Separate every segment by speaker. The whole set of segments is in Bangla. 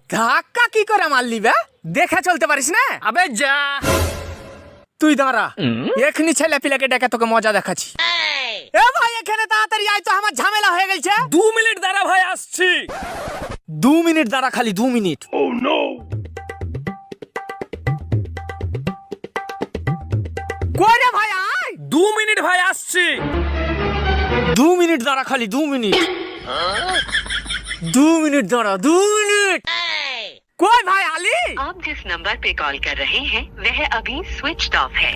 Speaker 1: ধাক্কা কি করে মারলি বে? দেখে চলতে পারিস না?
Speaker 2: আবে যা।
Speaker 1: তুই দাঁড়া, এখনি ছেলে পিলাকে ডেকে তোকে মজা দেখাচ্ছি। এ ভাই এখানে তাড়াতাড়ি আয় তো, আমার ঝামেলা হয়ে গেছে।
Speaker 2: 2 মিনিট দাঁড়া ভাই, আসছি।
Speaker 1: 2 মিনিট দাঁড়া, খালি 2 মিনিট।
Speaker 2: Oh no!
Speaker 1: কই রে ভাই আয়।
Speaker 2: 2 মিনিট ভাই, আসছি।
Speaker 1: 2 মিনিট দাঁড়া, খালি 2 মিনিট। 2 মিনিট দাঁড়া, 2 মিনিট। কই ভাই আলী?
Speaker 3: आप जिस नंबर पे कॉल कर रहे हैं वह अभी स्विच ऑफ है।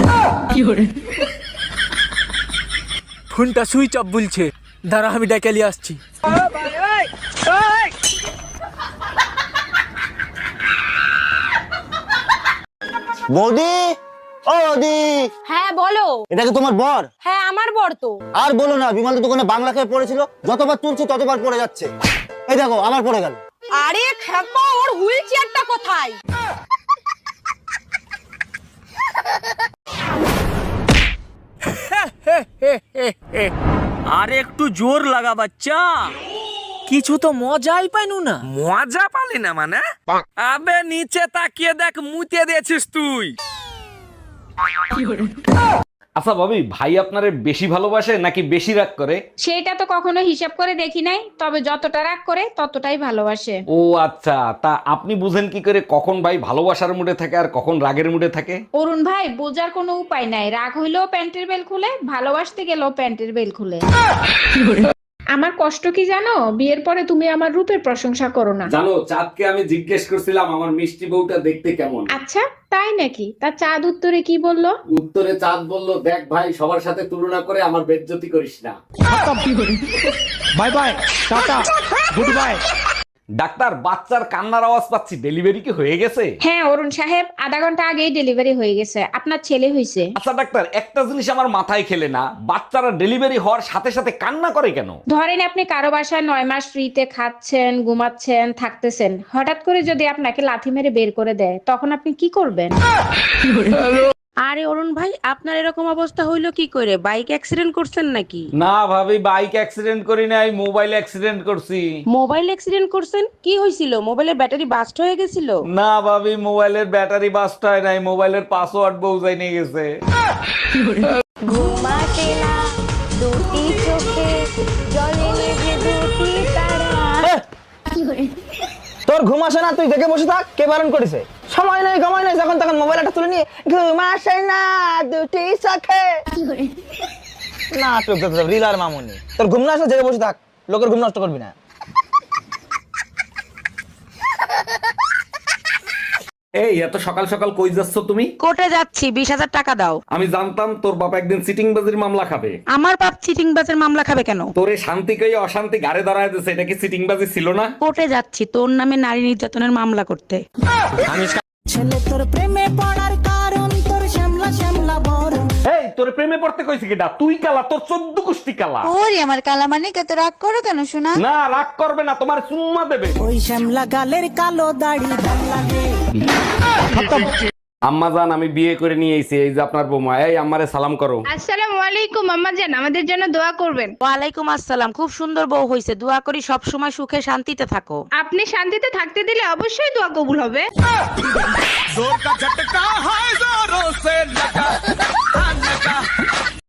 Speaker 1: ফোনটা সুইচ অফ বলছে, দাঁড়া আমি ডেকে নিয়ে আসছি।
Speaker 4: বৌদি, ও বৌদি,
Speaker 5: হ্যাঁ বলো।
Speaker 4: এটা কি তোমার বর?
Speaker 5: হ্যাঁ আমার বর তো।
Speaker 4: আর বলো না, বিমলের দোকানে বাংলা খেয়ে পড়েছিল, যতবার তুলছি ততবার পড়ে যাচ্ছে। এই দেখো আবার পড়ে গেল।
Speaker 5: আরে খেপা, ওর হুইল চেয়ারটা কোথায়?
Speaker 2: আরে একটু জোর লাগা বাচ্চা।
Speaker 1: কিছু তো মজাই পাইনু না।
Speaker 2: মজা পালি না মানে? আবে নিচে তাকিয়ে দেখ, মুতে দিয়েছিস তুই।
Speaker 6: আচ্ছা ভাবি, ভাই আপনারে বেশি ভালোবাসে নাকি বেশি রাগ করে?
Speaker 7: সেটা তো কখনো হিসাব করে দেখি নাই, তবে যতটা রাগ করে ততটাই ভালোবাসে।
Speaker 6: ও আচ্ছা, তা আপনি বুঝেন কি করে কখন ভাই ভালোবাসার মুডে থাকে আর কখন রাগের মুডে থাকে?
Speaker 7: অরুণ ভাই, বোঝার কোনো উপায় নাই। রাগ হইলেও প্যান্টের বেল খুলে, ভালোবাসতে গেলেও প্যান্টের বেল খুলে। আমার কষ্ট কি জানো? বিয়ের পরে তুমি আমার রূপের প্রশংসা করো না।
Speaker 6: জানো, চাঁদকে আমি জিজ্ঞেস করছিলাম আমার মিষ্টি বউটা দেখতে কেমন।
Speaker 7: আচ্ছা তাই নাকি? তা চাঁদ উত্তরে কি বললো?
Speaker 6: উত্তরে চাঁদ বলল, দেখ ভাই, সবার সাথে তুলনা করে আমার বেজ্জতি করিস না।
Speaker 1: Bye bye, tata, good bye.
Speaker 6: Doctor, বাচ্চার কান্নার আওয়াজ পাচ্ছি, ডেলিভারি কি হয়ে গেছে?
Speaker 7: হ্যাঁ অরুণ সাহেব, আধা ঘন্টা আগেই ডেলিভারি হয়ে গেছে। আপনার ছেলে হয়েছে।
Speaker 6: আচ্ছা ডাক্তার, একটা জিনিস আমার মাথায় খেলে না, বাচ্চারা ডেলিভারি হওয়ার সাথে সাথে কান্না করে কেন?
Speaker 7: ধরেন আপনি কারো বাসায় 9 মাস ফ্রিতে খাচ্ছেন, ঘুমাচ্ছেন, থাকতেছেন, হঠাৎ করে যদি আপনাকে লাথি মেরে বের করে দেয়, তখন আপনি কি করবেন?
Speaker 8: আরে অরুণ ভাই, আপনার এরকম অবস্থা হইলো কি করে? বাইক অ্যাক্সিডেন্ট করছেন নাকি?
Speaker 6: না ভাবি, বাইক অ্যাক্সিডেন্ট করি নাই, মোবাইল অ্যাক্সিডেন্ট করছি।
Speaker 8: মোবাইল অ্যাক্সিডেন্ট করছেন? কি হয়েছিল? মোবাইলের ব্যাটারি বাস্ট হয়ে গেছিল?
Speaker 6: না ভাবি, মোবাইলের ব্যাটারি বাস্ট হয় নাই, মোবাইলের পাসওয়ার্ড বউজাই নিয়ে গেছে।
Speaker 5: ঘুমাতে না দুটি চোখে, জলে নেভে দুটি তারা।
Speaker 4: তোর ঘুম আসে না, তুই দেখে বসে থাক। কে বারণ করেছে? সময় নেই, সময় নেই, যখন তখন মোবাইলটা তুলে নিয়ে ঘুম আসে না দুটি চোখে। না তুই রিলার মামুনি, তোর ঘুম না আসলে জেগে বসে থাক, লোকের ঘুম নষ্ট করবি না।
Speaker 6: এই এত সকাল সকাল কই যাচ্ছ তুমি?
Speaker 8: কোর্টে যাচ্ছি, 20,000 টাকা দাও।
Speaker 6: আমি জানতাম তোর বাবা একদিন সিটিংবাজির মামলা খাবে।
Speaker 8: আমার বাপ চিটিংবাজের মামলা খাবে কেন?
Speaker 6: তোরে শান্তি কই অশান্তি গাড়ে দাঁড়ায় দিছে, এটা কি সিটিংবাজি ছিল না?
Speaker 8: কোর্টে যাচ্ছি তোর নামে নারী নির্যাতনের মামলা করতে।
Speaker 6: এই তোর প্রেমে পড়তে কইছি কিডা? তুই কালা, তোর 14 কুষ্টি কালা।
Speaker 5: ওরে আমার কালা মানে কত রাগ করো কেন শোনা?
Speaker 6: না রাগ করবে না, তোমার চুম্মা দেবে।
Speaker 9: ওই শ্যামলা গালের কালো দাড়ি ভাল লাগে।
Speaker 6: আম্মা জান, আমি বিয়ে করে নিয়ে এসেছি, এই যে আপনার বৌমা। এই আম্মারে সালাম করো।
Speaker 7: আসসালামু আলাইকুম আম্মা জান, আমাদের জন্য দোয়া করবেন।
Speaker 8: ওয়ালাইকুম আসসালাম। খুব সুন্দর বউ হইছে, দোয়া করি সব সময় সুখে শান্তিতে থাকো।
Speaker 7: আপনি শান্তিতে থাকতে দিলে অবশ্যই দোয়া কবুল হবে।
Speaker 2: जोर का झटका है जोरों से लगा, लगा।